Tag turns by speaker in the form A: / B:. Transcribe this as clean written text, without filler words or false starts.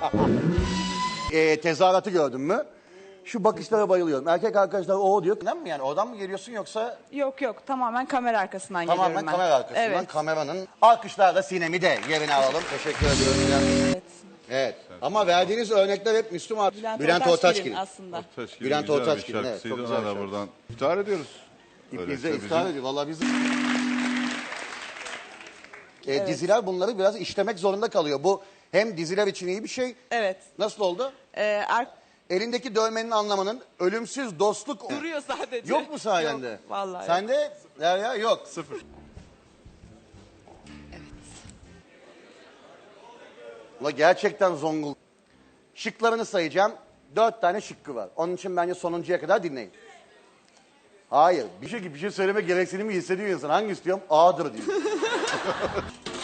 A: Tezahüratı gördün mü? Şu bakışlara bayılıyorum. Erkek arkadaşlar o diyor. Neden mi yani? Oradan mı geliyorsun yoksa
B: Yok yok, tamamen kamera arkasından
A: tamamen
B: geliyorum ben.
A: kamera arkasından
B: Evet.
A: kameranın alkışlarla Sinem'i de yerine alalım. Teşekkür ediyorum.
B: Evet.
A: Evet. Ama verdiğiniz örnekler hep Müslüm abi. Bülent Ortaçgil.
B: aslında.
C: Taşkil
A: Bülent
C: güzel
A: Ortaçgil,
C: bir
A: evet,
C: şarkısıydı.
A: çok güzel
C: Ona da
A: şarkı.
C: buradan iftihar ediyoruz.
A: Bize
C: Öyleyse
A: iftihar
C: bizim-
A: ediyor. Valla biz... Diziler bunları biraz işlemek zorunda kalıyor. Bu hem diziler için iyi bir şey.
B: Evet.
A: Nasıl oldu? Elindeki dövmenin anlamının ölümsüz dostluk...
B: Duruyor sadece.
A: Yok mu sayende?
B: Yok, vallahi.
A: Sende Derya yok.
C: Sıfır.
A: Ulan gerçekten Zongul. Şıklarını sayacağım. 4 tane şıkkı var. Onun için bence sonuncuya kadar dinleyin. Hayır. Bir şey söyleme gereksinimi hissediyor insan. Hangi istiyorum? A'dır diyor.